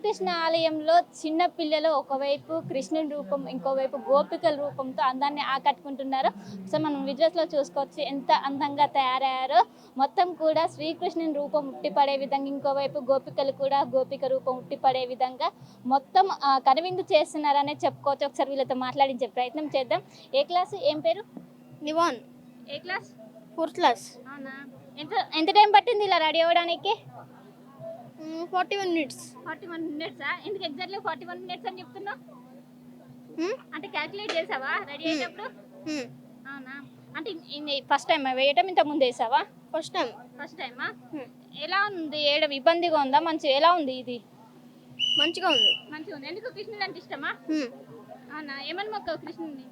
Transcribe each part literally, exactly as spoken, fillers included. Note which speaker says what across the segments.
Speaker 1: శ్రీకృష్ణ ఆలయంలో చిన్న పిల్లలు ఒకవైపు కృష్ణుని రూపం, ఇంకోవైపు గోపికల రూపంతో అందాన్ని ఆకట్టుకుంటున్నారు. సో మనం విజువల్స్లో చూసుకోవచ్చు ఎంత అందంగా తయారయ్యారో. మొత్తం కూడా శ్రీకృష్ణుని రూపం ఉట్టిపడే విధంగా, ఇంకోవైపు గోపికలు కూడా గోపిక రూపం ఉట్టిపడే విధంగా మొత్తం కనువిందు చేస్తున్నారనే చెప్పుకోవచ్చు. ఒకసారి వీళ్ళతో మాట్లాడించే ప్రయత్నం చేద్దాం. ఏ క్లాస్, ఏం పేరు?
Speaker 2: నివాన్.
Speaker 1: ఏ క్లాస్?
Speaker 2: Fourth class.
Speaker 1: అవునా, ఎంత ఎంత టైం పట్టింది ఇలా రెడీ అవ్వడానికి?
Speaker 2: Forty one minutes.
Speaker 1: Forty one మినిట్సా? ఎందుకు ఎగ్జాక్ట్లీ ఫార్టీ వన్ మినిట్స్ అని చెప్తున్నావు? అంటే క్యాల్కులేట్ చేసావా రెడీ అయ్యేటప్పుడు? అవునా, అంటే ఫస్ట్ టైం వేయటం, ఇంత ముందు వేసావా?
Speaker 2: First time.
Speaker 1: ఫస్ట్ టైమా? ఎలా ఉంది వేయడం? ఇబ్బందిగా ఉందా? మంచి ఎలా ఉంది ఇది?
Speaker 2: మంచిగా ఉంది.
Speaker 1: మంచిగా ఉంది. ఎందుకు కృష్ణుడు అంటే ఇష్టమా? అవునా, ఏమని మొక్క కృష్ణుడిని?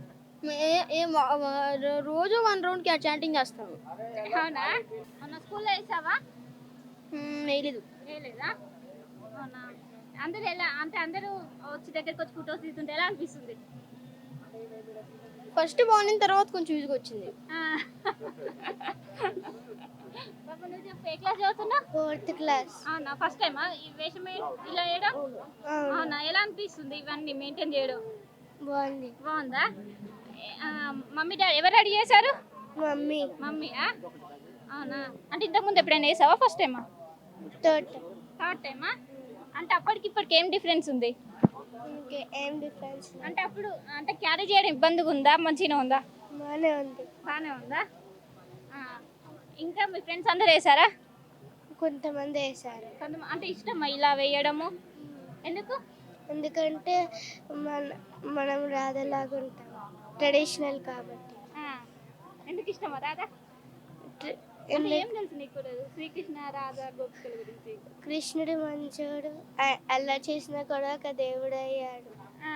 Speaker 2: రోజు వన్ రౌండ్ కి చాటింగ్ చేస్తాను.
Speaker 1: అవునా, మొన్న స్కూల్లో వేసావా?
Speaker 2: వేయలేదు.
Speaker 1: వేయలేదా? అవునా, అందరు ఎలా అంటే అందరూ వచ్చి దగ్గరికి వచ్చి ఫోటోస్ తీసుకుంటే ఎలా అనిపిస్తుంది?
Speaker 2: ఫస్ట్ బాగుంది, తర్వాత కొంచెం ఈజీగా వచ్చింది.
Speaker 1: బాబు నువ్వు చెప్పు, ఏ క్లాస్ చదువుతున్నా?
Speaker 2: Fourth class.
Speaker 1: అవునా, ఫస్ట్ టైమా ఈ వేషం ఇలా వేయడం? అవునా, ఎలా అనిపిస్తుంది ఇవన్నీ మెయింటైన్ చేయడం?
Speaker 2: బాగుంది.
Speaker 1: బాగుందా? మమ్మీ డాడీ ఎవరు రెడీ చేశారు?
Speaker 2: మమ్మీ.
Speaker 1: మమ్మీయా? అవునా, అంటే ఇంతకుముందు ఎప్పుడైనా వేసావా? ఫస్ట్ టైమా?
Speaker 2: థర్డ్.
Speaker 1: థర్డ్ టైమా? అంటే అప్పటికి ఇప్పటికి ఏం డిఫరెన్స్ ఉంది?
Speaker 2: ఏం డిఫరెన్స్
Speaker 1: అంటే అప్పుడు అంటే క్యారీ చేయడం ఇబ్బందిగా ఉందా, మంచిగా ఉందా?
Speaker 2: బాగానే ఉంది.
Speaker 1: బాగానే ఉందా? ఇంకా మీ ఫ్రెండ్స్ అందరు వేసారా?
Speaker 2: కొంతమంది వేసారు.
Speaker 1: కొంతమంది అంటే ఇష్టమా ఇలా వేయడము? ఎందుకు?
Speaker 2: ఎందుకంటే మన మనం రాధలాగా ఉంటాం, ట్రెడిషనల్ కాబట్టి.
Speaker 1: ఎందుకు ఇష్టమా రాధా? ఏం తెలుసు నీకు శ్రీకృష్ణ రాధా గోపికల గురించి?
Speaker 2: కృష్ణుడు మంచోడు, అలా చేసినా కూడా ఒక దేవుడు అయ్యాడు.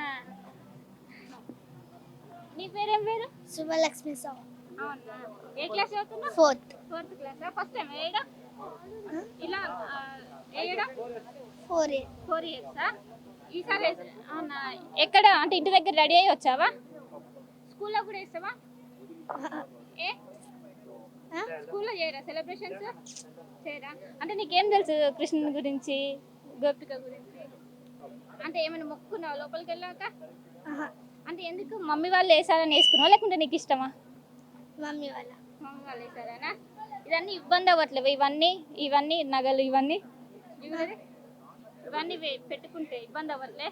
Speaker 1: నీ పేరేం పేరు?
Speaker 2: శుభలక్ష్మి సార్.
Speaker 1: అవునా, ఏ క్లాస్ చదువుతున్నావు?
Speaker 2: Fourth.
Speaker 1: Fourth class. First time వేయడం ఇలా వేయడం?
Speaker 2: ఫోర్ ఇయర్
Speaker 1: ఫోర్ ఇయర్సా? ఈసారి అవునా, ఎక్కడ అంటే ఇంటి దగ్గర రెడీ అయ్యి వచ్చావా? స్కూల్లో కూడా వేస్తావా? ఏ స్కూల్లో చేయరా సెలబ్రేషన్స్? చేయరా? అంటే నీకేం తెలుసు కృష్ణుని గురించి, గోపిక గురించి? అంటే ఏమైనా మొక్కున్నావా లోపలికి వెళ్ళాక? అంటే ఎందుకు మమ్మీ వాళ్ళు వేసారని వేసుకున్నావా, లేకుంటే నీకు ఇష్టమా?
Speaker 2: మమ్మీ వాళ్ళ.
Speaker 1: మమ్మీ వాళ్ళు వేసారా? ఇవన్నీ ఇబ్బంది అవ్వట్లేవు? ఇవన్నీ ఇవన్నీ నగలు ఇవన్నీ ఇవన్నీ పెట్టుకుంటే ఇబ్బంది అవ్వట్లే?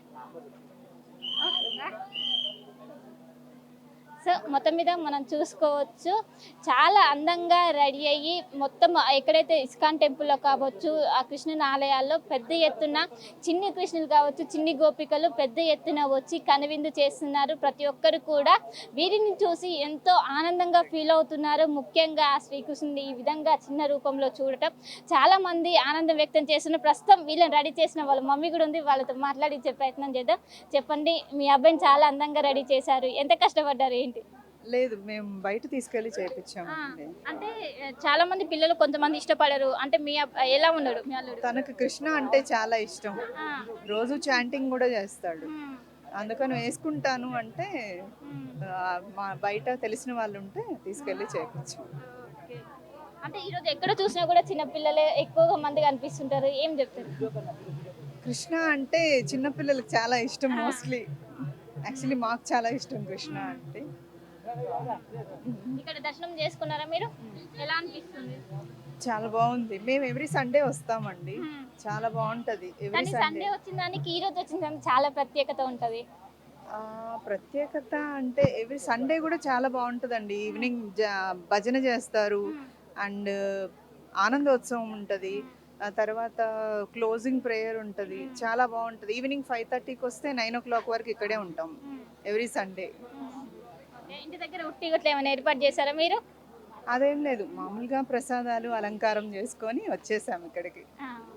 Speaker 1: సో మొత్తం మీద మనం చూసుకోవచ్చు, చాలా అందంగా రెడీ అయ్యి మొత్తం ఎక్కడైతే ఇస్కాన్ టెంపుల్లో కావచ్చు, ఆ కృష్ణుని ఆలయాల్లో పెద్ద ఎత్తున చిన్ని కృష్ణులు కావచ్చు, చిన్ని గోపికలు పెద్ద ఎత్తున వచ్చి కనువిందు చేస్తున్నారు. ప్రతి ఒక్కరు కూడా వీరిని చూసి ఎంతో ఆనందంగా ఫీల్ అవుతున్నారు. ముఖ్యంగా ఆ శ్రీకృష్ణుని ఈ విధంగా చిన్న రూపంలో చూడటం చాలా మంది ఆనందం వ్యక్తం చేస్తున్నారు. ప్రస్తుతం వీళ్ళని రెడీ చేసిన వాళ్ళ మమ్మీ కూడా ఉంది, వాళ్ళతో మాట్లాడించే ప్రయత్నం చేద్దాం. చెప్పండి, మీ అబ్బాయిని చాలా అందంగా రెడీ చేశారు, ఎంత కష్టపడ్డారు ఏంటి?
Speaker 3: లేదు, మేము బయట తీసుకెళ్లి చేయించాము.
Speaker 1: అంటే చాలా మంది పిల్లలు కొంతమంది ఇష్టపడరు, అంటే మీ ఎలా ఉన్నాడు మీ అల్లుడు?
Speaker 3: తనకు కృష్ణ అంటే చాలా ఇష్టం, రోజు చాంటింగ్ కూడా చేస్తాడు. అందుకని వేసుకుంటాను అంటే మా బయట తెలిసిన వాళ్ళు ఉంటే తీసుకెళ్లి చేయించాం.
Speaker 1: అంటే ఈరోజు ఎక్కడ చూసినా కూడా చిన్న పిల్లలే ఎక్కువగా మంది కనిపిస్తుంటారు, ఏం చెప్తారు?
Speaker 3: కృష్ణ అంటే చిన్నపిల్లలకు చాలా ఇష్టం. మోస్ట్లీ యాక్చువల్లీ మాకు చాలా ఇష్టం కృష్ణ అంటే.
Speaker 1: ఇక్కడ దర్శనం చేసుకున్నారా మీరు? ఎలా అనిపిస్తుంది?
Speaker 3: చాలా బాగుంది. మేము ఎవ్రీ సండే వస్తామండి, చాలా బాగుంటది. ఎవ్రీ
Speaker 1: సండే వచ్చిన దానికి ఈ రోజు వచ్చిన దానికి చాలా ప్రత్యేకత ఉంటది.
Speaker 3: ప్రత్యేకత అంటే ఎవ్రీ సండే కూడా చాలా బాగుంటుందండి. ఈవినింగ్ భజన చేస్తారు అండ్ ఆనందోత్సవం ఉంటుంది. ఆ తర్వాత క్లోజింగ్ ప్రేయర్ ఉంటుంది, చాలా బాగుంటుంది. ఈవినింగ్ ఫైవ్ థర్టీకి వస్తే నైన్ ఓ క్లాక్ వరకు ఇక్కడే ఉంటాం ఎవ్రీ సండే.
Speaker 1: ఇంటి దగ్గర ఉట్టి గట్ల ఏమైనా ఏర్పాటు చేశారా మీరు?
Speaker 3: అదేం లేదు, మామూలుగా ప్రసాదాలు అలంకారం చేసుకొని వచ్చేసాం ఇక్కడికి.